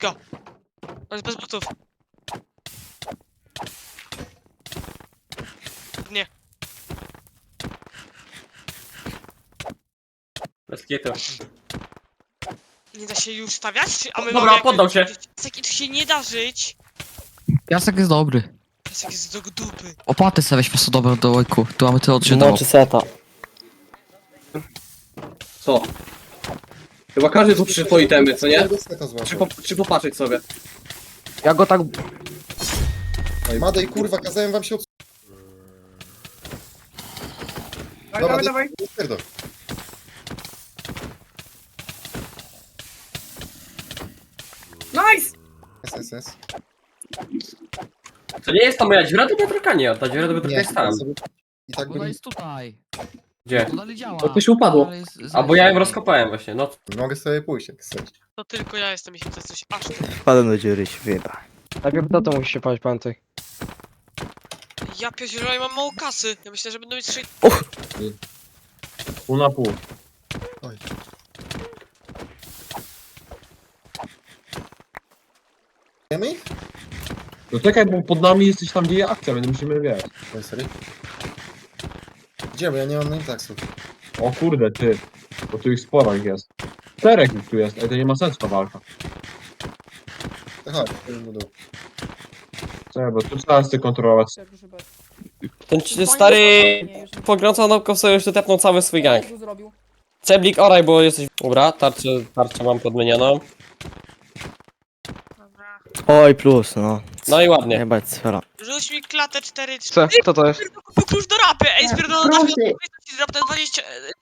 Go. On jest bez butów. Nie. Bez kitu. Nie da się już stawiać? A my Dobra, mamy poddał się. Piasek, tu się nie da żyć. Piasek jest dobry. Piasek jest do dupy. Opłaty sobie weź po prostu dobre do łojku. Tu mamy tyle odżyć No czy seta. Co? Chyba każdy tu przyszedł po itemy, co nie? To Czy popatrzeć sobie? Ja go tak... Madej, kurwa, kazałem wam się od... Dobra, dawaj. Pierdol. Nice! Jest. To nie jest ta moja dziura do wiatraka? Nie, ta dziura do wiatraka Nie, jest tam. I tak Woda by... jest tutaj. Gdzie? To dalej działa. To ktoś upadło. Ale jest- A bo ja ją rozkopałem właśnie, no. Mogę sobie pójść, jak chcesz. To tylko ja jestem, jeśli to jest coś aż tu. Wpadłem do dziury, się wyjeba. Najpierw to musi się paść, pamiętaj. Ja pierdzielę, ja mam mało kasy. Ja myślę, że będą mieć 6... Pół na pół. Oj. Wiemy ich? No czekaj, bo pod nami jesteś tam, gdzie jest akcja, więc musimy wiedzieć. Oj, sorry. Gdzie, bo ja nie mam name tagsów. O kurde, ty. Bo tu ich sporo ich jest. 4 ich tu jest, ale to nie ma sensu ta walka. To chodź, będę dół. Czekaj, bo tu trzeba sobie kontrolować. Ten stary pogrącony naukowca już tu tepnął cały swój gang. Ceblik, oraj, bo jesteś... Dobra, tarczę mam podmienioną. Dobra. Oj, plus, no. No i ładnie. Jebać sfera. Rzuć mi klatę 4... Co? Kto to jest? Kupił klucz do rapy! Ej, spierdolona na chwilę, ci drapnę 20...